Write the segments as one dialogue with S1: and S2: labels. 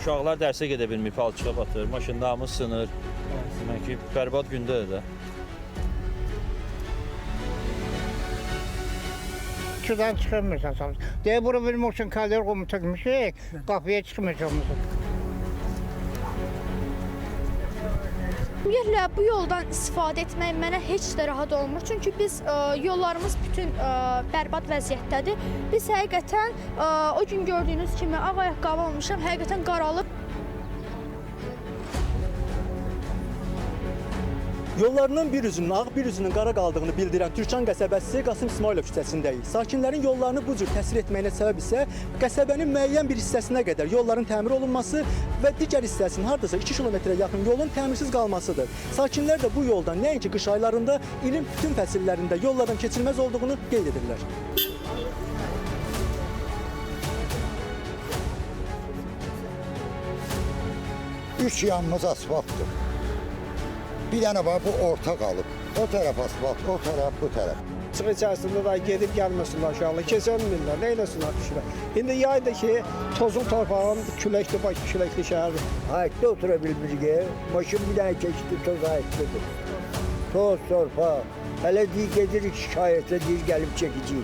S1: Uşaqlar dərsə gedə bilmir, palçığa batır, maşınlarımız sınır. Demək ki, bərbad gündədir də.
S2: Şuradan çıxırmırsan sanırım. Deyə bura bilmək üçün kalori qomu çəkmişik, qapıya çıxmayacağımızı.
S3: Ümumiyyətlə bu yoldan istifadə etmək mənə heç də rahat olmur. Çünki biz yollarımız bütün bərbad vəziyyətdədir. Biz həqiqətən o gün gördüyünüz kimi ağ ayaqqabı almışam, həqiqətən qaralıb.
S4: Yollarının bir üzünün ağ, bir üzünün qara qaldığını bildirən Türkan qəsəbəsi Qasım İsmailov küçəsindəyik. Sakinlərin yollarını bu cür təsir etməyinə səbəb isə qəsəbənin müəyyən bir hissəsinə qədər yolların təmir olunması və digər hissəsinin hardasa 2 kilometrə yaxın yolun təmirsiz qalmasıdır. Sakinlər də bu yoldan nəinki qış aylarında, ilin bütün fəsillərində yollardan keçilməz olduğunu qeyd edirlər.
S5: Üç yanımız asfaltdır. Bir dənə var, bu orta qalıb. O tərəf asfalt, o tərəf, bu tərəf.
S6: Çıx içərisində da gedib gəlməsinlər uşaqlar, keçənmirlər, nə eləsinlər kişilər. İndi yayda ki, tozun torpağın küləkli, Bakı küləkli şəhərdir.
S7: Ayıqda otura bilmirik, maşın bir dənə keçdi, toz ayıqdadır. Toz, torpaq, hələ deyir, gedirik şikayətə, deyir, gəlib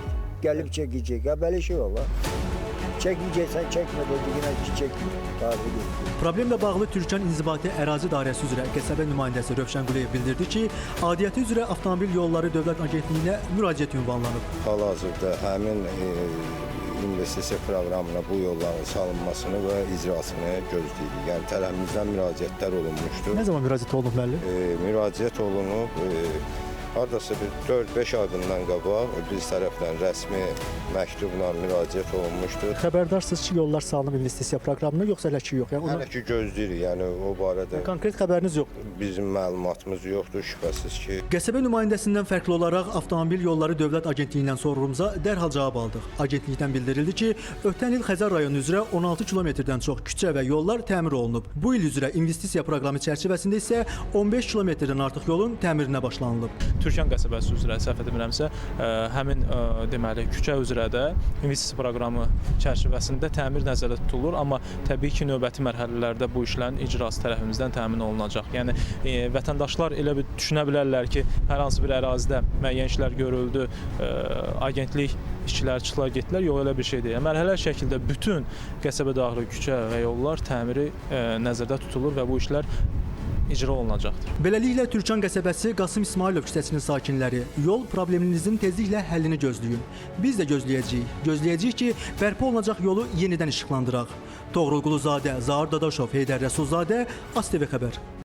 S7: çəkəcək, belə şey olar. Çəkməyəcəksən, çəkmə dediyinə ki, çəkmə.
S4: Problemlə bağlı Türkan İnzibati Ərazi Dairəsi üzrə qəsəbə nümayəndəsi Rövşən Quliyev bildirdi ki, aidiyyəti üzrə Avtomobil Yolları Dövlət Agentliyinə müraciət ünvanlanıb.
S8: Hal-hazırda həmin investisiya proqramına bu yolların salınmasını və icrasını gözləyirik. Yəni tərəfimizdən müraciətlər olunmuşdur.
S4: Nə zaman müraciət olunub müəllim?
S8: Müraciət olunub. Hardasa bir 4-5 ay bundan qabaq biz tərəfdən rəsmi məktubla müraciət olunmuşdur.
S4: Xəbərdarsınız ki, yollar salınıb investisiya proqramına, yoxsa hələ ki yox?
S8: Hələ ki gözləyirik, yəni o barədə
S4: konkret xəbəriniz yoxdur.
S8: Bizim məlumatımız yoxdur, şübhəsiz ki.
S4: Qəsəbə nümayəndəsindən fərqli olaraq Avtomobil Yolları Dövlət Agentliyindən sorğumuza dərhal cavab aldıq. Agentlikdən bildirildi ki, ötən il Xəzər rayonu üzrə 16 kilometrdən çox küçə və yollar təmir olunub. Bu il üzrə investisiya proqramı çərçivəsində isə 15 kilometrdən artıq yolun təmirinə başlanılıb.
S9: Türkan qəsəbəsi üzrə səhv etmirəmsə, həmin deməli küçə üzrə də investisiya proqramı çərçivəsində təmir nəzərdə tutulur, amma təbii ki, növbəti mərhələlərdə bu işlərin icrası tərəfimizdən təmin olunacaq. Yəni vətəndaşlar elə bir düşünə bilərlər ki, hər hansı bir ərazidə müəyyən işlər görüldü, agentlik işçiləri çıxdılar, getdilər. Yox, elə bir şey deyil. Mərhələli şəkildə bütün qəsəbə daxili küçə və yollar təmiri nəzərdə tutulur və bu işlər icra olunacaqdır.
S4: Beləliklə, Türkan qəsəbəsi Qasım İsmailov küçəsinin sakinləri yol probleminizin tezliklə həllini gözləyin. Biz də gözləyəcəyik. Gözləyəcəyik ki, bərpa olunacaq yolu yenidən işıqlandıraq. Toğrul Quluzadə, Zahir Dadaşov, Heydər Rəsulzadə, ASTV xəbər.